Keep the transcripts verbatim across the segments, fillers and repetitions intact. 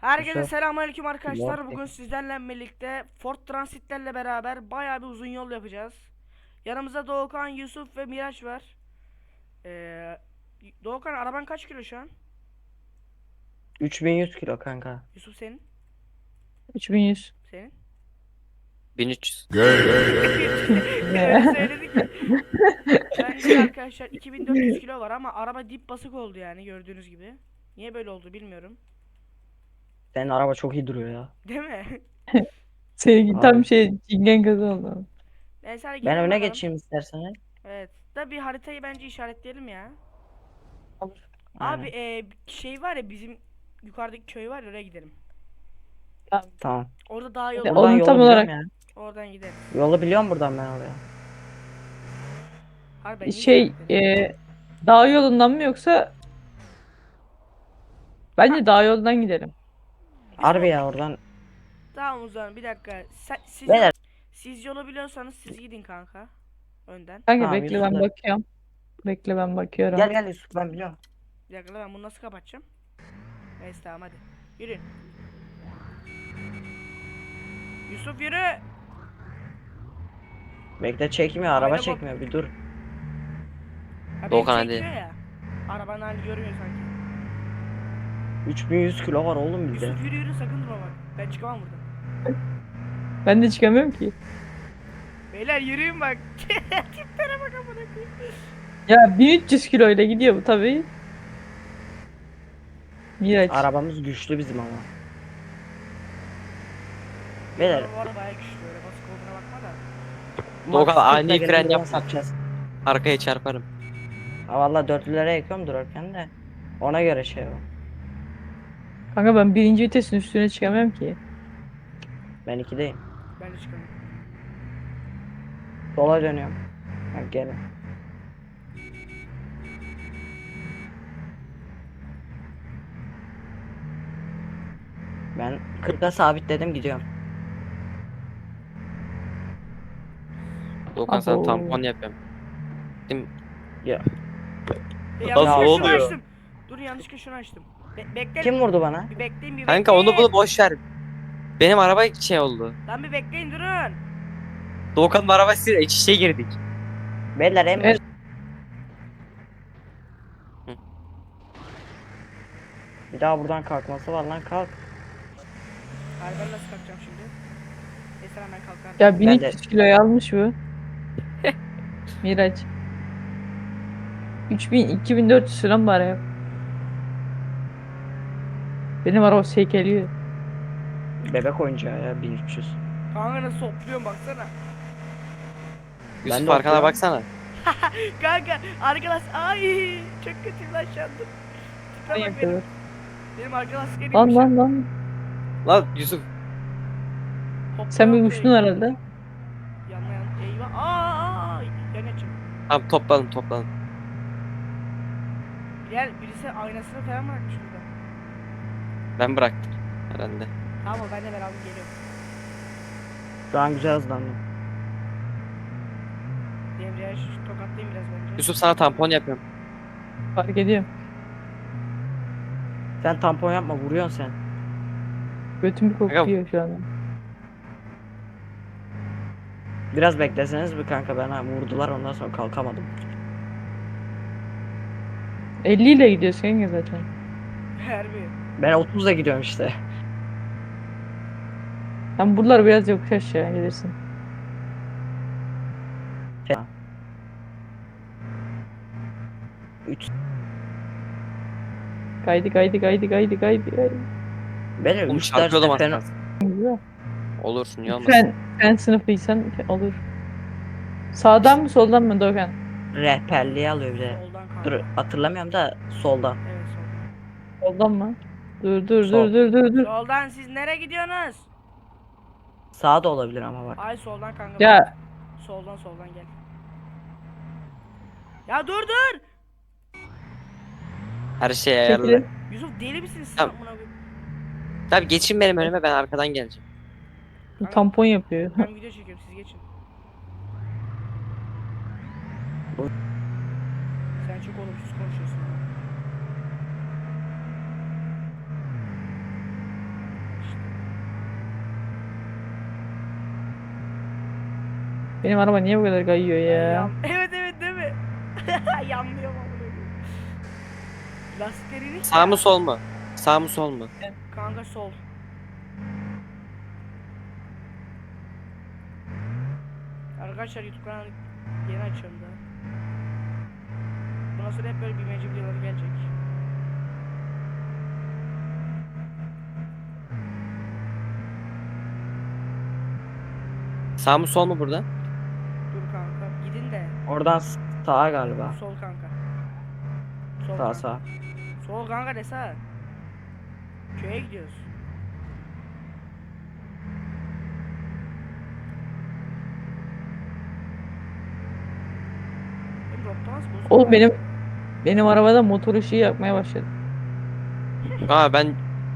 Herkese Yusuf. selamünaleyküm Yok. arkadaşlar. Bugün sizlerle birlikte Ford Transit'lerle beraber bayağı bir uzun yol yapacağız. Yanımızda Doğukan, Yusuf ve Miraç var. Ee, Doğukan, araban kaç kilo şu an? üç bin yüz kilo kanka. Yusuf senin? üç bin yüz. Senin? bin üç yüz. Öyle söyledi ki. Bende de arkadaşlar iki bin dört yüz kilo var ama araba dip basık oldu yani gördüğünüz gibi. Niye böyle oldu bilmiyorum. Senin araba çok iyi duruyor ya. Değil mi? Seninki tam Abi. şey cingen gazı oldu. Neyse hadi Ben gidelim öne bakalım. geçeyim isterseniz. Evet. Da bir haritayı bence işaretleyelim ya. Olur. Abi Aynen. e, şey var ya bizim yukarıdaki köy var ya oraya gidelim. Tamam. Tamam. Orada daha yol Ya var. Buradan onun yolu tam biliyorum olarak ya. Oradan gidelim. Yolu biliyorum buradan ben oraya. Harbi ben iyi şey işaretledim. e, dağ yolundan mı yoksa bence dağ yolundan gidelim. Biz Harbi o- ya oradan. Tamam o zaman bir dakika. Sen, siz, yol, Beyler. siz yolu biliyorsanız siz gidin kanka. Önden. Kanka Tamam, bekle ben Yusuf'la- bakıyorum. Bekle ben bakıyorum. Gel gel Yusuf, ben biliyorum. Bir dakika ben bunu nasıl kapatacağım? Neyse tamam hadi. Yürüyün. Yusuf yürü. Bekle, çekmiyor, araba Ayna çekmiyor, bir dur. Ha, beni Doğukan hadi. çekiyor ya. Arabanın halini görmüyor sanki. üç bin yüz kilo var oğlum bizde. Yusuf yürü yürü sakın durma bak. Ben çıkamam buradan. Ben de çıkamıyorum ki. Beyler yürüyün bak. Tiplere bak amına koyayım. Ya bin üç yüz kilo ile gidiyor bu tabii. Miraç. Arabamız güçlü bizim ama. Beyler. Bu araba bayağı güçlü öyle basık olduğuna bakma da. Doğukan, Max ani kırkla fren gelip yapma. satacağız. Arkaya çarparım. Ha valla dörtlülere yakıyorum durarken de. Ona göre şey o. Kanka ben birinci vitesin üstüne çıkamıyorum ki. Ben ikideyim. Ben de çıkamam. Sola dönüyorum. Ha, gelin. Ben kırka sabitledim, gidiyorum. Doğukan sana Abo. tampon yapıyorum. Şimdi Ya. E, Nasıl yanlışlıkla şunu oluyor? açtım. Dur yanlışlıkla şunu açtım. Be bekle. Kim vurdu bana? Bir bekleyin bir kanka bekleyin. onu bunu boş ver. Benim araba şey oldu. Lan bir bekleyin durun. Doğukan'ın arabasıyla iç içe girdik. Beyler en Evet. Hı. Bir daha buradan kalkması var lan, kalk. Hayır ben nasıl kalkacağım şimdi? Neyse lan ben kalkarım. Ya Ben de- bin üç yüz kiloyu almış bu. Miraç. üç bin iki bin dört yüz falan bari ya. Benim araba sekeliyor. Bebek oyuncağı ya, bin üç yüz. Kanka nasıl hopluyorum baksana. Yusuf de arkana oturuyorum. baksana. Kanka arkadaş ay çok kötüyüm lan şu anda. Tipe Ne bak benim. yapıyor? Benim arkadaş askeriymiş. Lan lan lan. Lan Yusuf. Sen bir uçtun herhalde. Yanma yan. Eyvah. Aa, aa, yanacağım. Tamam toplanın toplanın. Gel birisi aynasını falan bırakmış burada. Ben bıraktım herhalde. Tamam o ben de beraber geliyorum. Şu an güzel hızlandım. Devreye şu tokatlayayım biraz bence. Yusuf sana tampon yapıyorum. Fark ediyorum. Sen tampon yapma, vuruyorsun sen. Götüm bir kokuyor şu an. Biraz bekleseniz bir kanka, bana vurdular, ondan sonra kalkamadım. elli ile gidiyorsun kanka zaten. Harbi. Ben otuzla gidiyorum işte. Sen buralar biraz yokuş aşağı gelirsin. üç. Kaydı kaydı kaydı kaydı kaydı kaydı. Benim Oğlum üç çarpıyordum derste az fen... kalsın. Güzel. Olursun niye olmasın. Fen, fen sınıfıysan olur. Sağdan mı soldan mı Doğukan? rehberliği alıyor bir de. Soldan kanka. Dur, hatırlamıyorum da soldan. Evet soldan. Soldan mı? Dur dur Sol. dur dur dur dur. Soldan siz nereye gidiyorsunuz? Sağa da olabilir ama bak. Ay soldan kanka. Ya Soldan soldan gel. Ya dur dur. Her şey ayarlı. çekilin. Yusuf deli misiniz siz Tamam. amına koyayım? Tabi geçin benim önüme, ben arkadan geleceğim. Bu tampon yapıyor. Ben video çekiyorum siz geçin. Bu- Sen çok olumsuz konuşuyorsun. ya. Benim araba niye bu kadar kayıyor ya? Yan- Evet evet değil mi? Yanlıyor mu? Lastikleri inik Sağ ya. mı sol mu? Sağ mı sol mu? Kanka sol. Arkadaşlar YouTube kanalı yeni açıyorum da. Bundan sonra hep böyle bilmece videoları gelecek. Sağ mı sol mu burada? Dur kanka gidin de. Oradan sağa galiba. Sol kanka. Sol Sağ kanka. sağ. Sol kanka de sağ. Köye gidiyoruz. Benim rottamaz bozuk. Oğlum benim benim arabada motor ışığı yakmaya başladı. Aa ben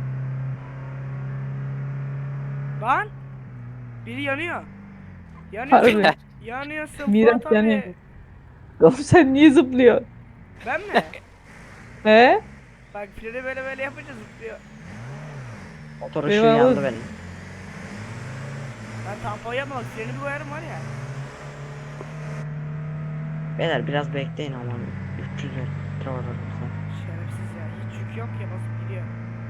Lan! Biri yanıyor. Yanıyor. Harbi. Yanıyorsun Miraç Fuat abi. yanıyor. Oğlum sen niye zıplıyorsun? Ben mi? He? Bak freni böyle böyle yapınca zıplıyor. Motor Benim ışığı yandı araba- benim. Ben tampon yapma bak freni bir koyarım var ya. Beyler biraz bekleyin ama üç yüz metre var aramızda. Şerefsiz ya. Hiç yük yok ya basıp gidiyor.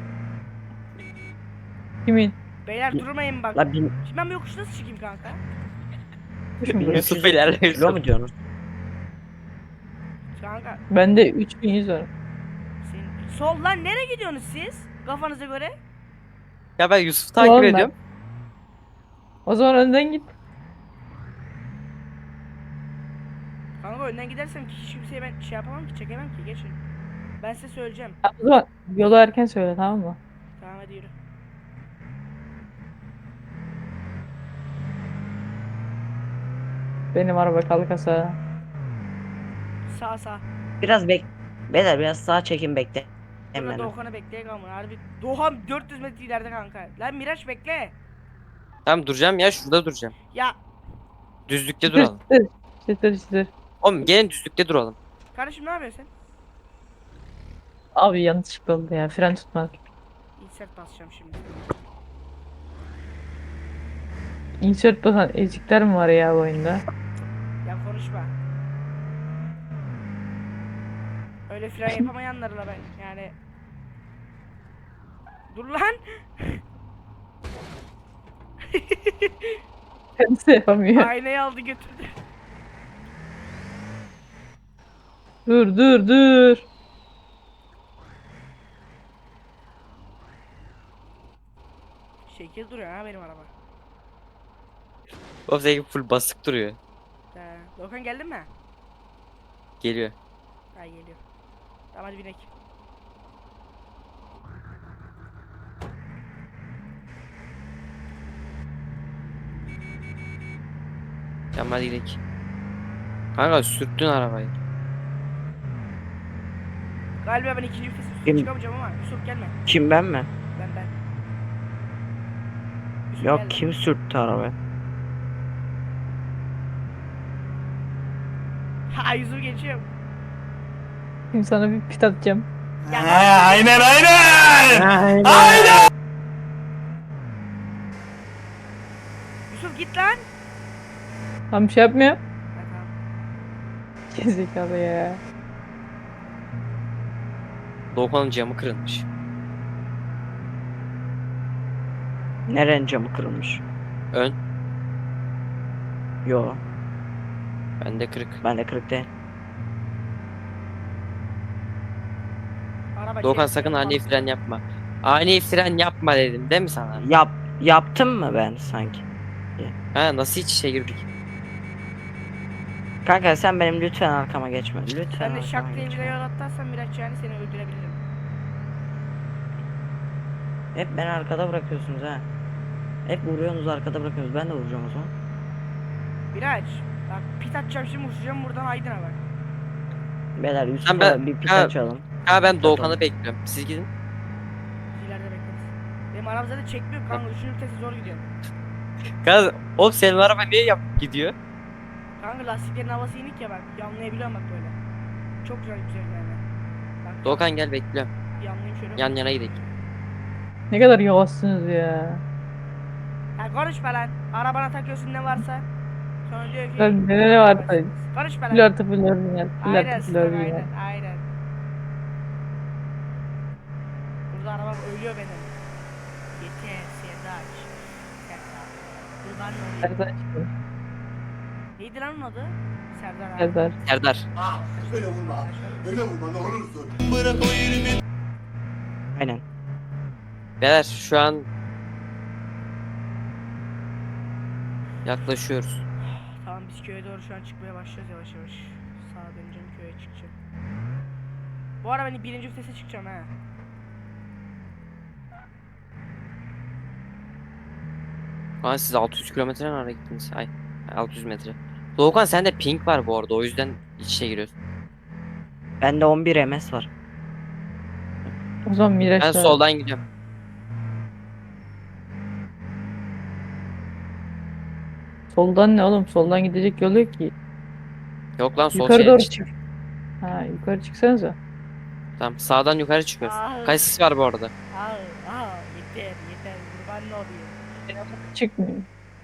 Kimin? Beyler durmayın bak. La bin, Şimdi ben bu yokuşu nasıl çıkayım kanka? Yusuf ilerle kilo Yusuf. mu diyorsunuz? Kanka Bende üç bin yüz var. senin... Sol lan nereye gidiyorsunuz siz? Kafanıza göre. Ya ben Yusuf'u takip Oğlum ben- ediyorum. O zaman önden git. Kanka önden gidersem ki hiç kimseye ben şey yapamam ki çekemem ki geçin. Ben size söyleyeceğim. Ha, O zaman yolu erken söyle, tamam mı? Tamam hadi yürü. Benim araba kalkasa. Sağ sağ. Biraz bek. Beyler biraz sağa çekin bekle. Burada Hemen. Doğukan'ı bekleye kalma. Harbi Doğan dört yüz metre ileride kanka. Lan Miraç bekle. Tamam duracağım ya şurada duracağım. Ya Düzlükte Çıtır duralım. çıtır. Çıtır çıtır. Oğlum gelin düzlükte duralım. kardeşim ne yapıyorsun sen? Abi yanlışlıkla oldu ya. Fren tutmadı. Insert basacağım şimdi. Insert basan ezikler mi var ya bu oyunda? Ya konuşma. Öyle fren yapamayanlarla ben yani. Dur lan. Kendisi yapamıyor. Aynayı aldı götürdü. Dur dur dur. Şekil duruyor ha benim araba. O seninki full basık duruyor. He. Doğukan geldin mi? Geliyor. Ha geliyor. Tamam hadi binek. Tamam hadi gidelim. Kanka sürttün arabayı. Galiba ben ikinci vites üstüne Kim? çıkamayacağım ama Yusuf gelme. Kim ben mi? Ben ben. Yusuf Yok gelme. kim sürttü arabayı? Ha Yusuf geçiyor. Şimdi sana bir pit atacağım. Aynen aynen. Yusuf git lan. Tam bir şey yapmıyor. Ha, tamam. Gezekalı ya. Doğukan'ın camı kırılmış. Nerenin camı kırılmış? Ön. Yo Bende kırık. bende kırık değil. Araba Doğukan çevir- sakın ani fren yapma. Ani fren yapma dedim değil mi sana? Yap yaptım mı ben sanki? Ha nasıl iç içe girdik? Kanka sen benim lütfen arkama geçme. Lütfen Sen de arkama şak diye bir geçme. yol atlarsan Miraç yani seni öldürebilirim. Hep beni arkada bırakıyorsunuz ha. Hep vuruyorsunuz arkada bırakıyorsunuz. Ben de vuracağım o zaman. Miraç bak pit atacağım şimdi uçacağım buradan Aydın'a bak. Beyler Yusuf'a ben- bir pit ha- açalım. Ha ben Doğukan'ı Tamam. bekliyorum. Siz gidin. Biz ileride bekleriz. Benim araba zaten çekmiyor kanka üçüncü vitesi zor gidiyor. Kanka oğlum senin araba niye yap gidiyor? Kanka lastiklerin havası inik ya bak yanlayabiliyorum bak böyle. Çok güzel güzel yani. Bak Doğukan gel bekliyorum. yanlayayım şöyle. Yan yana gidelim. Ne kadar yavaşsınız ya. Ya konuşma lan. Arabana takıyorsun ne varsa. Sonra diyor ki Lan ne ne var? konuşma Full lan. artı full orijinal. Full Aynen artı full Sinan, orijinal. aynen aynen. Burada arabam ölüyor benim. Yeter Serdaç. Serdar. Kurban olayım. Serdar çıktı. Neydi lan onun adı? Serdar abi. Serdar. Serdar. Öyle vurma. Öyle vurma ne olursun. Aynen. Beyler şu an yaklaşıyoruz. Tamam biz köye doğru şu an çıkmaya başlıyoruz yavaş yavaş. Sağa döneceğim, köye çıkacağım. Bu ara ben birinci vitese çıkacağım ha. Kaan siz altı yüz kilometre nereye gittiniz? Ay altı yüz metre. Doğukan sende ping var bu arada, o yüzden iç içe giriyorsun. Bende on bir M S var. O zaman Miraç Ben da- soldan gidiyorum. Soldan ne oğlum? Soldan gidecek yol yok ki. Yok lan, sol Yukarı şerit doğru işte. çık. Ha yukarı çıksanıza. Tamam, sağdan yukarı çıkıyoruz. Aa. Kaç sis var bu arada? Aa, aa yeter yeter kurban olayım. Çıkmıyor.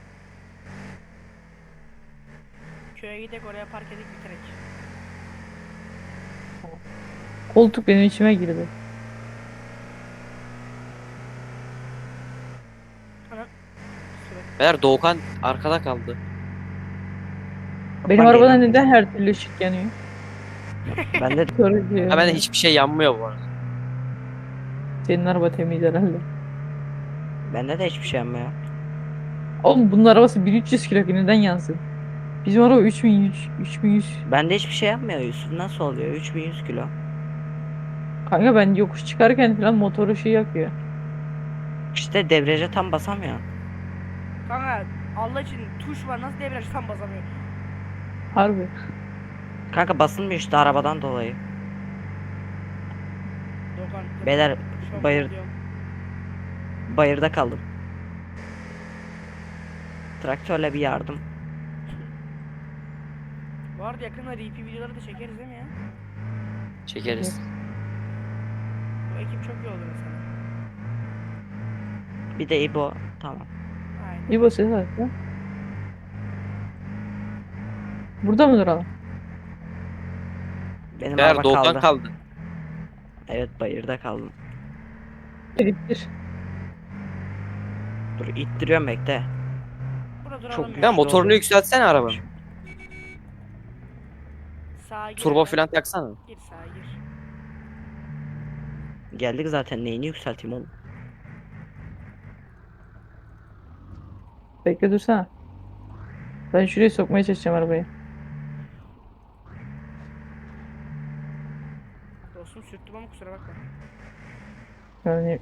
Köye gidek oraya park edip bitirek. Koltuk benim içime girdi. Ana. Süre. Beyler Doğukan arkada kaldı. Benim Ben arabada geliyorum. neden her türlü ışık yanıyor? Bende Yukarı diyor. Ha, bende hiçbir şey yanmıyor bu arada. Senin araba temiz herhalde. bende de hiçbir şey yapmıyor. Oğlum bunun arabası bin üç yüz kilo ki neden yansın? Bizim araba üç bin yüz, üç bin yüz. Bende hiçbir şey yapmıyor. Yusuf nasıl oluyor? üç bin yüz kilo. Kanka ben yokuş çıkarken falan motoru şey yakıyor. İşte debriyaja tam basamıyor. Kanka Allah için tuş var, nasıl debriyaj tam basamıyor. Harbi. Kanka basılmıyor işte arabadan dolayı. Doğukan. Beyler şok bayır- oluyorum. bayırda kaldım. Traktörle bir yardım. Bu arada yakında R P videoları da çekeriz değil mi ya? Çekeriz. Bu ekip çok iyi oldu mesela. Bir de İbo. Tamam. Aynen. İyi basıyor zaten. Burada mı duralım? Benim Beyler araba Doğukan kaldı. kaldı. Evet bayırda kaldım. Ediptir. Dur ittiriyorum bekle. Burada duralım Çok ya. güzel. Ben motorunu oldu. yükseltsene arabanın. Sağa gir. Turbo hemen. falan taksana. Gir sağa gir. Geldik zaten neyini yükselteyim oğlum. Bekle dursana. Ben şuraya sokmaya çalışacağım arabayı. Dostum sürttüm ama kusura bakma. Yani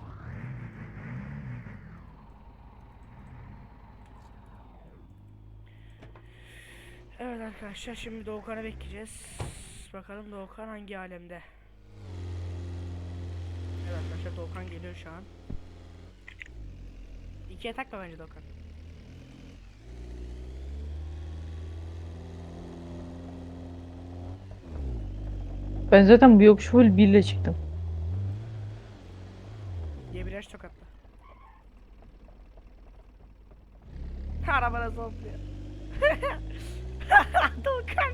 Evet arkadaşlar şimdi Doğukan'ı bekleyeceğiz. Bakalım Doğukan hangi alemde. Evet arkadaşlar Doğukan geliyor şu an. İkiye takma bence Doğukan. ben zaten bu yokuş full bir ile çıktım. Debriyaj tokatla. Araba nasıl hopluyor? Doğukan.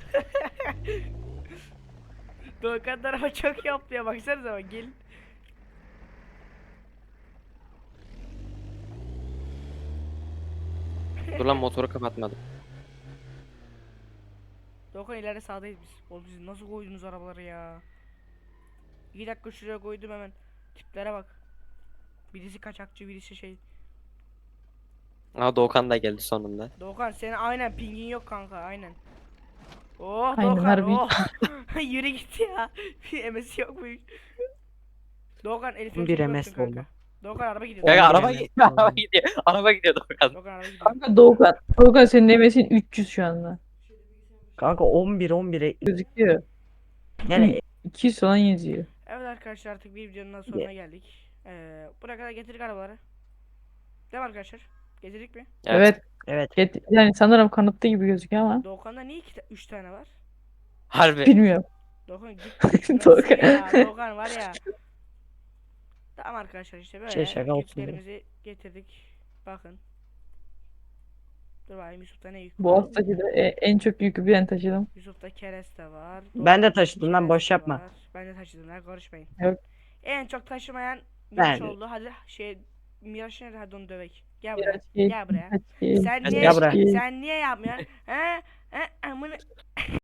Doğukan araba çok iyi hopluyor, baksanıza bak gelin. Dur lan, motoru kapatmadım. Doğukan ileride sağdayız biz. Oğlum siz nasıl koydunuz arabaları ya? İki dakika şuraya koydum hemen. Tiplere bak. Birisi kaçakçı, birisi şey. Aa, Doğukan da geldi sonunda. Doğukan senin aynen pingin yok kanka aynen. Oh Aynen, Doğukan harbi. oh. Yürü git ya. Bir emesi yok mu? Doğukan Elif'in Bir çok M S öptün kanka. oldu. Doğukan araba gidiyor. Kanka Oldu araba yani. gidiyor, araba gidiyor. Araba gidiyor Doğukan. Doğukan araba gidiyor. Kanka Doğukan. Doğukan senin emesin üç yüz şu anda. Kanka on bir on bire Gözüküyor. yani iki yüz falan yazıyor. Evet arkadaşlar artık bir videonun daha sonuna geldik. Ee, buraya kadar getirdik arabaları. Değil mi arkadaşlar? Getirdik mi? Evet. evet Get- yani sanırım kanıtlı gibi gözüküyor ama Doğukan'da niye iki, üç tane var? Harbi. bilmiyorum. Doğukan git. Doğukan. Nasıl ya? Doğukan var ya. Tamam arkadaşlar işte böyle Şey, şaka olsun güçlerimizi getirdik. Bakın. Dur bakayım Yusuf'ta ne yük Bu var? haftaki de e- en çok yükü ben taşıdım. Yusuf'ta kereste var. Ben de Doğukan'da taşıdım lan, boş kereste yapma. var. Ben de taşıdım lan, karışmayın. Yok. En çok taşımayan Miraç Ben- oldu. Hadi şey Miraç nerede? Hadi onu dövek. Gel buraya. Biraz geç, Gel buraya. kaç geç. Sen Hadi niye gel buraya. sen niye yapmıyorsun? He? He? Amına